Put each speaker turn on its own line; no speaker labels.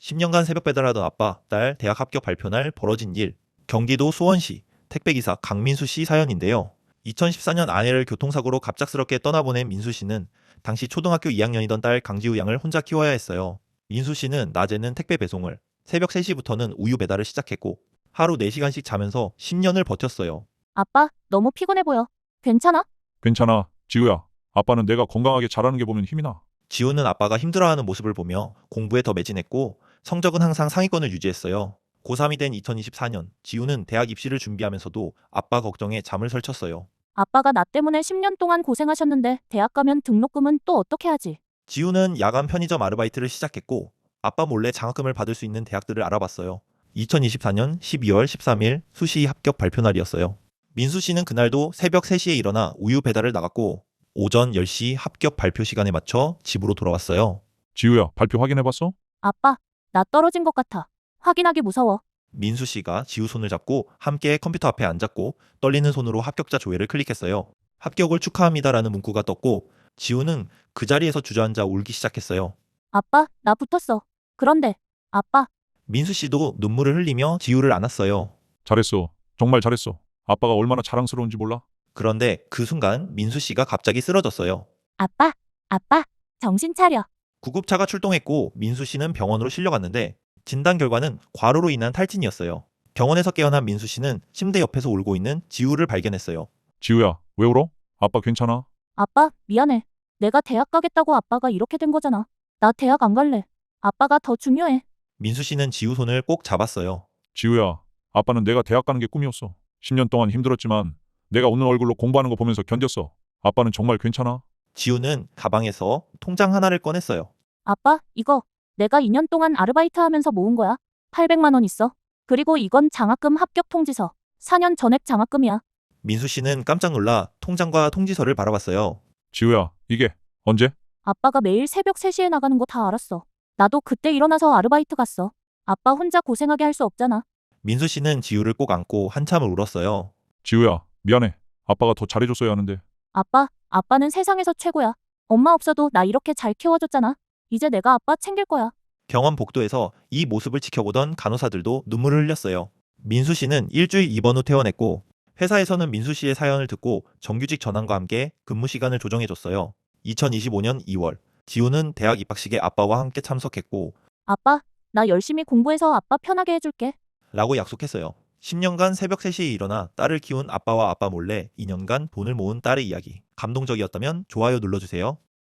10년간 새벽 배달하던 아빠, 딸 대학 합격 발표 날 벌어진 일. 경기도 수원시 택배기사 강민수 씨 사연인데요. 2014년 아내를 교통사고로 갑작스럽게 떠나보낸 민수 씨는 당시 초등학교 2학년이던 딸 강지우 양을 혼자 키워야 했어요. 민수 씨는 낮에는 택배 배송을, 새벽 3시부터는 우유 배달을 시작했고 하루 4시간씩 자면서 10년을 버텼어요.
아빠, 너무 피곤해 보여. 괜찮아?
괜찮아, 지우야. 아빠는 내가 건강하게 자라는 게 보면 힘이 나.
지우는 아빠가 힘들어하는 모습을 보며 공부에 더 매진했고 성적은 항상 상위권을 유지했어요. 고3이 된 2024년, 지우는 대학 입시를 준비하면서도 아빠 걱정에 잠을 설쳤어요.
아빠가 나 때문에 10년 동안 고생하셨는데 대학 가면 등록금은 또 어떻게 하지?
지우는 야간 편의점 아르바이트를 시작했고 아빠 몰래 장학금을 받을 수 있는 대학들을 알아봤어요. 2024년 12월 13일 수시 합격 발표 날이었어요. 민수 씨는 그날도 새벽 3시에 일어나 우유 배달을 나갔고 오전 10시 합격 발표 시간에 맞춰 집으로 돌아왔어요.
지우야, 발표 확인해봤어?
아빠, 나 떨어진 것 같아. 확인하기 무서워.
민수 씨가 지우 손을 잡고 함께 컴퓨터 앞에 앉았고 떨리는 손으로 합격자 조회를 클릭했어요. 합격을 축하합니다라는 문구가 떴고 지우는 그 자리에서 주저앉아 울기 시작했어요.
아빠, 나 붙었어. 그런데, 아빠,
민수 씨도 눈물을 흘리며 지우를 안았어요.
잘했어. 정말 잘했어. 아빠가 얼마나 자랑스러운지 몰라?
그런데 그 순간 민수 씨가 갑자기 쓰러졌어요.
아빠, 아빠, 정신 차려.
구급차가 출동했고 민수 씨는 병원으로 실려갔는데 진단 결과는 과로로 인한 탈진이었어요. 병원에서 깨어난 민수 씨는 침대 옆에서 울고 있는 지우를 발견했어요.
지우야, 왜 울어? 아빠 괜찮아?
아빠, 미안해. 내가 대학 가겠다고 아빠가 이렇게 된 거잖아. 나 대학 안 갈래. 아빠가 더 중요해.
민수 씨는 지우 손을 꼭 잡았어요.
지우야, 아빠는 내가 대학 가는 게 꿈이었어. 10년 동안 힘들었지만 내가 웃는 얼굴로 공부하는 거 보면서 견뎠어. 아빠는 정말 괜찮아?
지우는 가방에서 통장 하나를 꺼냈어요.
아빠, 이거 내가 2년 동안 아르바이트 하면서 모은 거야. 800만 원 있어. 그리고 이건 장학금 합격 통지서. 4년 전액 장학금이야.
민수 씨는 깜짝 놀라 통장과 통지서를 바라봤어요.
지우야, 이게 언제?
아빠가 매일 새벽 3시에 나가는 거 다 알았어. 나도 그때 일어나서 아르바이트 갔어. 아빠 혼자 고생하게 할 수 없잖아.
민수 씨는 지우를 꼭 안고 한참을 울었어요.
지우야, 미안해. 아빠가 더 잘해줬어야 하는데.
아빠는 세상에서 최고야. 엄마 없어도 나 이렇게 잘 키워줬잖아. 이제 내가 아빠 챙길 거야.
병원 복도에서 이 모습을 지켜보던 간호사들도 눈물을 흘렸어요. 민수 씨는 일주일 입원 후 퇴원했고 회사에서는 민수 씨의 사연을 듣고 정규직 전환과 함께 근무 시간을 조정해줬어요. 2025년 2월, 지우는 대학 입학식에 아빠와 함께 참석했고
아빠, 나 열심히 공부해서 아빠 편하게 해줄게.
라고 약속했어요. 10년간 새벽 3시에 일어나 딸을 키운 아빠와 아빠 몰래 2년간 돈을 모은 딸의 이야기. 감동적이었다면 좋아요 눌러주세요.